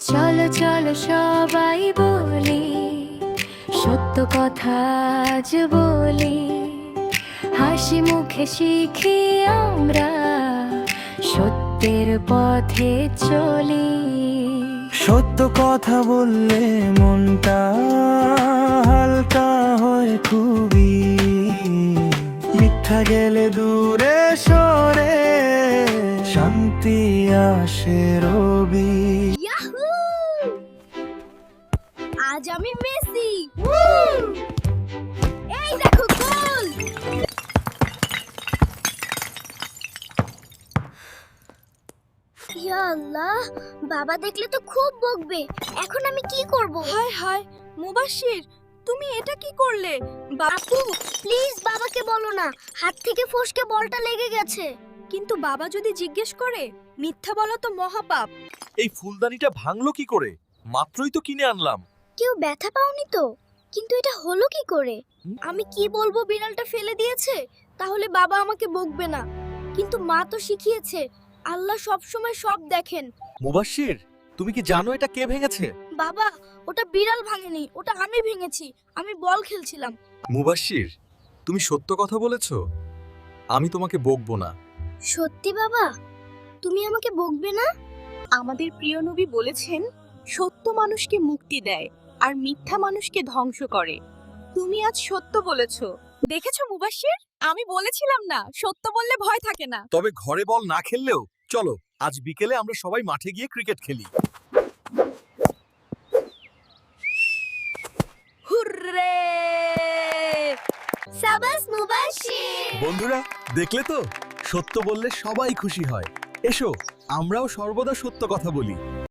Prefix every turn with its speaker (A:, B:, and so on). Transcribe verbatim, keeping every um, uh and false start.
A: চলো চলো সবাই বলি, সত্য কথা আজ বলি, হাসি মুখে শিখি আমরা, সত্যের পথে চলি।
B: সত্য কথা বললে মনটা হালকা হয় খুবই, মিথ্যা গেলে দূরে সরে শান্তি আসে রবি।
C: ইয়াহু! আজ আমি মেসি। এই দেখো গোল। ইয়া আল্লাহ, বাবা দেখলে তো খুব বকবে। এখন আমি কি করব?
D: হায় হায় মুবাশির, তুমি এটা কি করলে?
C: আপু প্লিজ বাবাকে বলো না, হাত থেকে ফসকে বলটা লেগে গেছে।
D: কিন্তু বাবা যদি জিজ্ঞেস করে? মিথ্যা বলা তো মহাপাপ।
E: এই ফুলদানিটা ভাঙলো কি করে? মাত্রই তো কিনে আনলাম।
C: কেউ ব্যথা পাওনি তো? কিন্তু এটা হলো কি করে? আমি কি বলবো, বিড়ালটা ফেলে দিয়েছে, তাহলে বাবা আমাকে বকবে না। কিন্তু মা তো শিখিয়েছে আল্লাহ সব সময় সব দেখেন।
E: মুবাশির, তুমি কি জানো এটা কে ভেঙেছে?
C: বাবা ওটা বিড়াল ভাঙেনি, ওটা আমি ভেঙেছি। আমি বল খেলছিলাম।
E: মুবাশির, তুমি সত্য কথা বলেছো। আমি তোমাকে বকবো না।
C: সত্যি বাবা, তুমি আমাকে বকবে না?
D: আমাদের প্রিয় নবী বলেছেন, সত্য মানুষকে মুক্তি দেয় আর মিথ্যা মানুষকে ধ্বংস করে। তুমি আজ সত্য বলেছো। দেখেছো মুবাশির, আমি বলেছিলাম না, সত্য বললে ভয় থাকে না।
E: তবে ঘরে বল না খেললেও চলো আজ বিকেলে আমরা সবাই মাঠে গিয়ে ক্রিকেট খেলি।
D: হুররে!
C: সাবাস মুবাশশির।
E: বন্ধুরা, দেখলে তো, সত্য বললে সবাই খুশি হয়। এসো আমরাও সর্বদা সত্য কথা বলি।